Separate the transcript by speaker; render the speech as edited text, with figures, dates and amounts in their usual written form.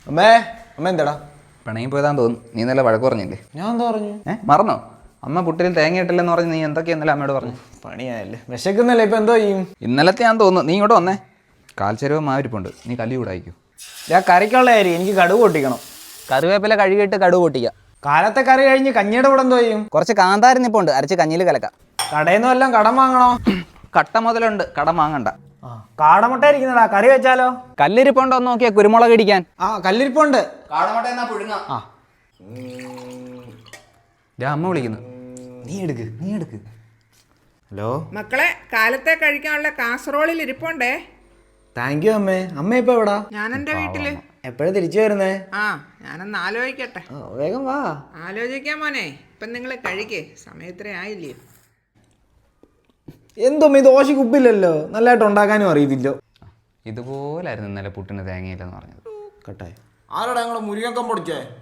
Speaker 1: അമ്മേ അമ്മ എന്താടാ
Speaker 2: പിണങ്ങി പോയതാന്ന് തോന്നുന്നു. നീ ഇന്നലെ വഴക്ക് പറഞ്ഞില്ലേ?
Speaker 1: ഞാൻ എന്താ പറഞ്ഞു?
Speaker 2: മറന്നോ? അമ്മ പുട്ടിൽ തേങ്ങ ഇട്ടില്ലെന്ന് പറഞ്ഞ് നീ എന്തൊക്കെയാ ഇന്നലെ അമ്മയോട് പറഞ്ഞു?
Speaker 1: പണിയായല്ലേ, വിശക്കുന്നല്ലേ, ഇപ്പൊ എന്തോ ചെയ്യും?
Speaker 2: ഇന്നലത്തെ ഞാൻ തോന്നുന്നു. നീ ഇങ്ങോട്ട് വന്നേ, കാൽച്ചരവ് മാവിരിപ്പുണ്ട്, നീ കല്ലി കൂടായിക്കോ.
Speaker 1: ഞാൻ കറിക്കുള്ള കാര്യം എനിക്ക് കടുക് പൊട്ടിക്കണം.
Speaker 2: കറിവേപ്പില കഴുകിയിട്ട് കടുക് പൊട്ടിക്കുക.
Speaker 1: കാലത്തെ കറി കഴിഞ്ഞ് കഞ്ഞിയുടെ കൂടെ എന്തോ ചെയ്യും?
Speaker 2: കുറച്ച് കാന്താരി നിപ്പുണ്ട്, അരച്ച് കഞ്ഞിയിൽ കലക്കാം.
Speaker 1: കടയിൽ നിന്നും എല്ലാം കടം വാങ്ങണോ?
Speaker 2: കട്ട മുതലുണ്ട്, കടം വാങ്ങണ്ട.
Speaker 1: കാടമുട്ട ഇരിക്കുന്നടാ, കറി വെച്ചാലോ?
Speaker 2: കല്ലിരിപ്പുണ്ടോ എന്ന് നോക്കിയാ കുരുമുളക് ഇടിക്കാൻ.
Speaker 1: കല്ലിരിപ്പുണ്ട്.
Speaker 2: അമ്മ വിളിക്കുന്നു.
Speaker 1: നീ എടുക്ക്. ഹലോ
Speaker 3: മക്കളെ, കാലത്തെ കഴിക്കാനുള്ള കാസറോളിൽ ഇരിപ്പുണ്ടേ.
Speaker 1: താങ്ക് യു അമ്മേ. അമ്മ ഇപ്പൊ എവിടാ?
Speaker 3: ഞാൻ എൻ്റെ വീട്ടില്.
Speaker 1: എപ്പോഴും തിരിച്ചു വരുന്നേ?
Speaker 3: ഞാനൊന്ന് ആലോചിക്കട്ടെ.
Speaker 1: വേഗം വാ.
Speaker 3: ആലോചിക്കാൻ മോനെ, ഇപ്പം നിങ്ങൾ കഴിക്കേ, സമയത്രേ ആയില്ലേ?
Speaker 1: എന്തോമ്മ ഈ ദോശയ്ക്ക് ഉപ്പില്ലല്ലോ, നല്ലതായിട്ട് ഉണ്ടാക്കാനും അറിയത്തില്ലോ.
Speaker 2: ഇതുപോലായിരുന്നു ഇന്നലെ പുട്ടിന് തേങ്ങയില്ലെന്ന് പറഞ്ഞത്.
Speaker 1: കട്ടായി. ആരോടാ ഞങ്ങളെ മുരിങ്ങക്കം പൊടിച്ചേ?